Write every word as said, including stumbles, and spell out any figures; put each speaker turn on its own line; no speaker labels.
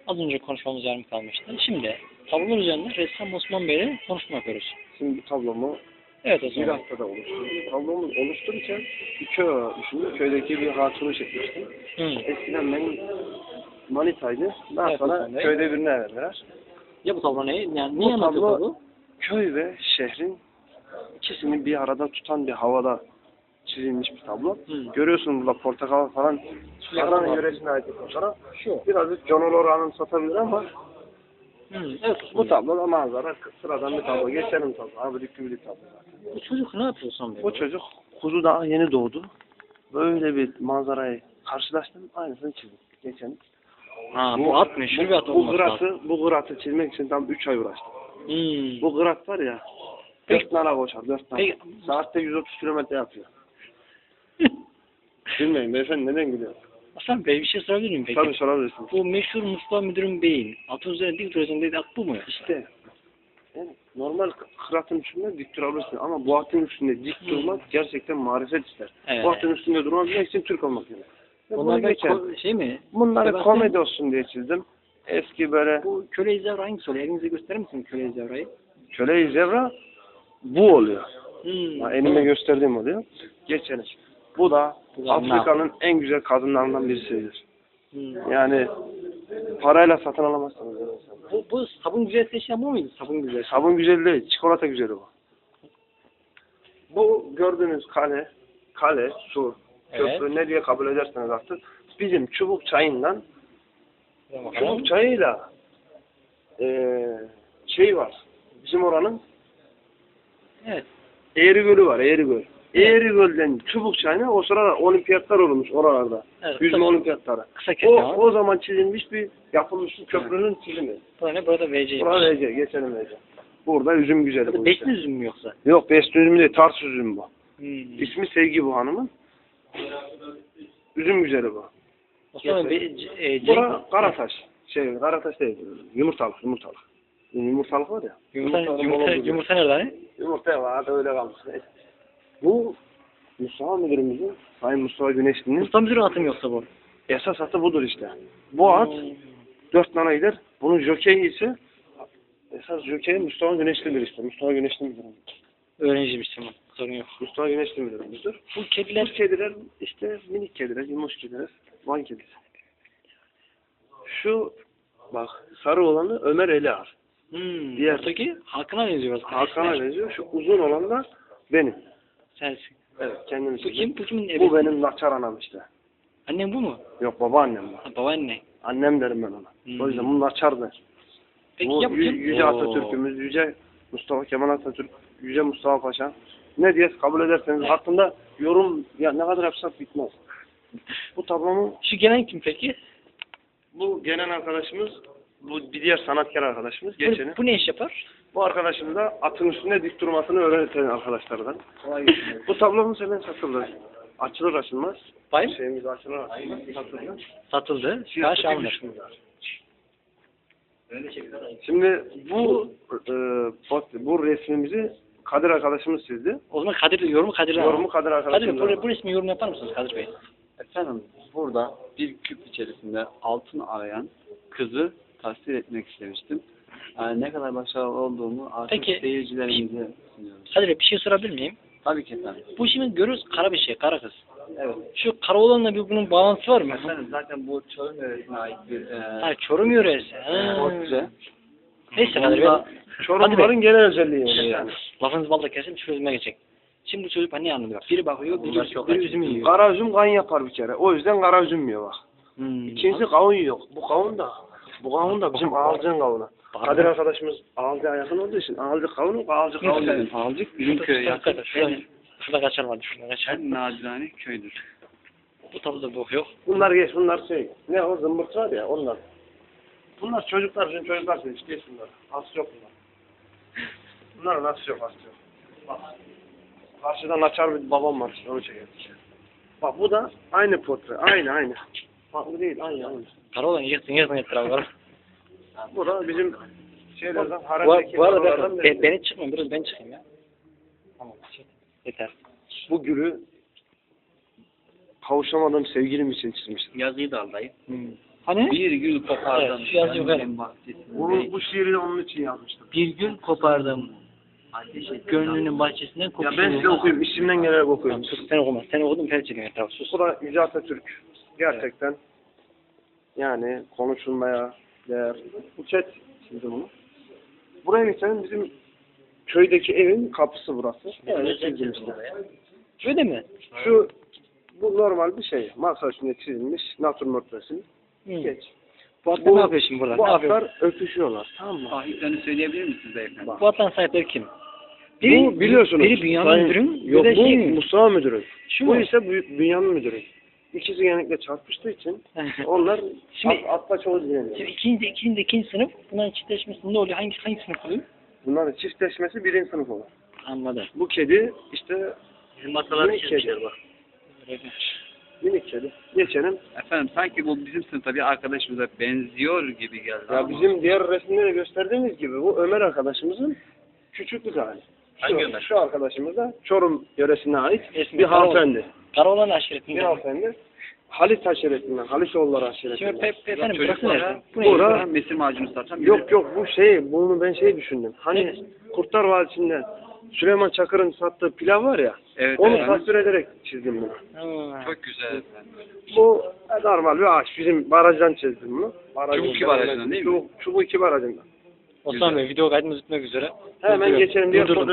Az önce konuşmamız yarım kalmıştı. Şimdi tablolar üzerinde ressam Osman Bey'le konuşma yapıyoruz.
Şimdi bu tablomu
Evet
bir
Osman Bey.
haftada oluşturdum. Tablomu oluştururken bir köy düşündüm. Köydeki bir hatunu çekmiştim.
Hı.
Eskiden benim manitaydı. Daha
Evet,
sonra
Osman Bey.
köyde birine verdiler.
Ya bu tablo ne? Yani
Bu
niye anlatıyor
tablo-
tablo?
Köy ve şehrin ikisini bir arada tutan bir havada çizilmiş bir tablo.
Hı.
Görüyorsun burada portakal falan.
Yakın
Adana
var.
yöresine ait bir fotoğraf.
Şu.
Birazcık John Olora'nın satabilir ama
Hı. Evet Osman
bu
Bey.
tablo da manzara sıradan bir tablo. Geçelim tablo. Abi bir tablo.
Bu çocuk ne yapıyor Osman Bey?
Bu çocuk kuzu daha yeni doğdu. Böyle bir manzarayı karşılaştım. Aynısını çizdim. Geçen.
Ha bu at meşhur bir at
Bu
olması lazım.
gıratı, bu gıratı çizmek için tam üç ay uğraştım.
Hmm.
Bu gırat var ya,
Peki-
dört nala koşar, dört nala.
Peki-
Saatte yüz otuz kilometre yapıyor. Bilmeyin beyefendi neden gülüyor?
Osman Bey bir şey sorabilir miyim peki?
Tabii sorabilirsiniz.
Bu meşhur Mustafa Müdür'ün beyin atın üzerine dik duruyorsun dedi at bu mu?
İşte yani normal kıratın üstünde dik durabilirsin ama bu atın üstünde dik durmak gerçekten marifet ister.
Evet.
Bu atın üstünde durmak için Türk olmak gerekir. Ve bunu
Bunlar da
geçer.
ko- şey mi?
Bunları
Sebastian-
komedi olsun diye çizdim. Eski böyle
Bu köle izavra hangisi oluyor? Elinize gösterir misin köle izavrayı?
köle-i zevra bu oluyor.
Hmm.
Yani elimle gösterdiğim oluyor. Geçelim. Bu da
Bu da
Afrika'nın en güzel kadınlarından birisidir.
Hmm.
Yani parayla satın alamazsınız. öyle insanlar.
Bu, bu sabun güzel seçen bu muydu? Sabun güzel.
Sabun güzel değil, çikolata güzeli bu. Bu gördüğünüz kale, kale, su,
Evet.
köprü ne diye kabul ederseniz artık bizim çubuk çayından,
Bakalım.
çubuk çayıyla eee şey var. Bizim oranın
Evet.
Eğri Gölü var, Eğri Göl. Eğri Göl'den çubuk çayına o sırada olimpiyatlar olmuş oralarda.
Evet,
Yüzme
tabii.
olimpiyatları.
Kısa
O,
kesme var.
o zaman çizilmiş bir, yapılmış bir köprünün çizimi.
Burada ne? Burada V C.
Burada V C, geçelim V C. Burada üzüm güzeli bu işte.
Besli üzüm mü yoksa?
Yok, besli üzüm değil, tars üzüm bu.
Hmm.
İsmi Sevgi bu hanımın. Üzüm güzeli bu.
Osman Bey, C- e,
Bura
Cenk-
Karataş. Şey, Karataş değil, yumurtalık, yumurtalık. Yumurtalık var ya.
Yumurta,
Yumurtalık
yumurta,
olabilir.
yumurta nerede hani?
Yumurta var, da öyle kalmış. Bu Mustafa müdürümüzün, Sayın Mustafa Güneşli'nin
Mustafa Müdür'ün atı mı yoksa bu?
esas atı budur işte. Bu at
Hmm.
dört nana gider. Bunun jokeyi ise esas jokeyi Mustafa Güneşli'dir işte. Mustafa Güneşli müdürümüz.
Öğrenciymiş tamam. Sorun yok.
Mustafa Güneşli müdürümüzdür.
Bu
Bu
kediler
kediler işte minik kediler, yumuş kediler, Van kedisi. Şu bak sarı olanı Ömer Eliar.
hmm.
Diğer-
Ortaki Hakan'a benziyor.
Hakan'a benziyor. Şu uzun olan da benim.
Sensin.
Evet, kendim
Bu
için.
kim? Bu kimin evi?
Bu benim Naçar anam işte.
Annem bu mu?
Yok, babaannem bu.
Ha, babaanne.
Annem derim ben ona.
Hmm.
O yüzden bu Naçar'dır.
Peki
Bu
ya bu
Yü-
kim?
Yüce
Oo.
Atatürk'ümüz, Yüce Mustafa Kemal Atatürk, Yüce Mustafa Paşa. Ne diye kabul ederseniz hakkında yorum ya ne kadar yapsak bitmez. Bu tablomu
Şu gelen kim peki?
bu gelen arkadaşımız, bu bir diğer sanatkar arkadaşımız geçeni.
Bu, bu ne iş yapar?
Bu arkadaşımız da atın üstünde dik durmasını öğreten arkadaşlardan. Bu tablomuz hemen satılır. Açılır açılmaz.
Bayım?
Şeyimiz açılır açılmaz. Satılır.
Satıldı.
Fiyatı
Kaç
bir
alınır?
buçuk milyar. Şimdi bu e, bak- bu resmimizi Kadir arkadaşımız çizdi.
O zaman Kadir, yorumu Kadir'e
Yorumu Kadir
Kadir,
arkadaşımız.
bu, bu resmi yorum yapar mısınız Kadir Bey?
Efendim burada bir küp içerisinde altın arayan kızı tasvir etmek istemiştim. Yani ne kadar başarılı olduğumu artık
Peki,
seyircilerimize sunuyoruz.
Kadir Bey bir şey sorabilir miyim?
Tabii ki efendim.
Bu şimdi görürüz kara bir şey, kara kız.
Evet.
Şu kara olanla bir bunun bağlantısı var mı?
Efendim zaten bu Çorum yöresine ait bir e,
Ha, Çorum yöresi. Ha.
portre.
Neyse Kadir Bey.
Onda
Çorumluların genel özelliği yani.
Yani. Lafınızı balla kesin çözüme geçecek. Şimdi bu çocuk ne anlıyor? Biri bakıyor, biri,
Bunlar çok
biri
acı.
üzümü yiyor.
Kara üzüm kan yapar bir kere. O yüzden kara üzüm yiyor bak.
Hmm.
İkincisi kavun yok. Bu kavun da bu kavun da bizim ağalcığın kavunu. Kadir arkadaşımız ağalcığa yakın olduğu için ağalcı kavunu, ağalcı kavunu.
efendim Alcık bizim köye yakın
Şurada, şurada,
en,
şurada kaçar vardı, şurada kaçar.
en nadirane köydür.
Bu tabloda bu yok.
Bunlar geç, bunlar şey. Ne o zımbırt var ya onlar. Bunlar çocuklar için çocuklar için hiç geç bunlar. Aslı yok bunlar. Bunların aslı yok, aslı yok. Bak. Karşıdan açar bir babam var işte onu çekelim. Bak bu da aynı portre, aynı aynı. Farklı değil, aynı aynı.
Kara olan yıktın yıktın etrafı.
Bu da bizim şeylerden,
Bu,
haremdeki
bu arada
karalardan
ben,
biri.
beni çıkmayın, biraz ben çıkayım ya. Tamam, yeter.
Bu gülü kavuşamadığım sevgilim için çizmiştim.
Yazıyı da al dayı. Hmm. Hani?
Bir gül kopardım.
Evet, şu yazı yukarı.
gönlümün bahçesinde.
Bunu, bu şiiri de onun için yazmıştım.
Bir gün kopardım.
Ateş et.
Gönlünün bahçesinden
Ya
kopuşu.
ben size okuyayım, içimden gelerek okuyayım.
Sus, sen okuma. Sen okudun, fel çekin etrafı. Sus.
Bu da Yüce Atatürk. Gerçekten yani konuşulmaya değer. Bu chat çizdi bunu. Buraya geçelim, bizim köydeki evin kapısı burası. Öyle çizdim işte.
Öyle mi?
Şu bu normal bir şey. Masa üstünde çizilmiş natürmort resim.
Hı.
Geç.
Bu atlar ne yapıyor şimdi burada?
Bu
Ne yapıyor?
atlar öpüşüyorlar. Tamam mı?
Sahiplerini söyleyebilir misiniz beyefendi?
Bu atların sahipleri kim?
Bu biliyorsunuz.
Biri Bünyamin
Sayın-
Müdürüm.
Yok
bir de
bu
şey,
Mustafa Müdürüm.
Şu
Bu
mu?
ise Büyük Bünyamin Müdürüm. İkisi genellikle çarpıştığı için onlar
Şimdi-
at, atla çok ilgileniyor.
Şimdi ikinci, ikinci, ikinci sınıf. Bunların çiftleşmesi ne oluyor? Hangi, hangi sınıf oluyor?
Bunların çiftleşmesi birinci sınıf olur.
Anladım.
Bu kedi işte
Bizim masaları
minik kedi.
bak.
Minik kedi. Geçelim.
Efendim sanki bu bizim sınıfta bir arkadaşımıza benziyor gibi geldi.
Ya
ama-
bizim diğer resimlerde gösterdiğimiz gibi bu Ömer arkadaşımızın küçüklük hali. Şu,
Hangi Ömer?
Şu arkadaşımız da Çorum yöresine ait
İsmi
bir
Karaoğlan.
hanımefendi.
Karaoğlan
Bir
aşiretinden.
hanımefendi. Halit aşiretinden, Haliçoğulları
Şimdi
aşiretinden.
pe, pe, efendim burası
Çocuklara
neresi? Bu
Bura-
ne?
Bura mesir macunu satan
Yok yok bu şey, bunu ben şey düşündüm. Hani Kurtlar Vadisi'nde Süleyman Çakır'ın sattığı pilav var ya,
Evet,
onu
evet.
tasvir ederek çizdim bunu.
Ha.
Çok güzel efendim.
Bu normal bir ağaç. Bizim barajdan çizdim bunu. Barajın
Çubuk iki barajından değil mi?
Çubuk, Çubuk iki barajından.
Osman Bey video kaydımız bitmek üzere.
Hemen
Durduruyorum.
geçelim diye
Durdurdum.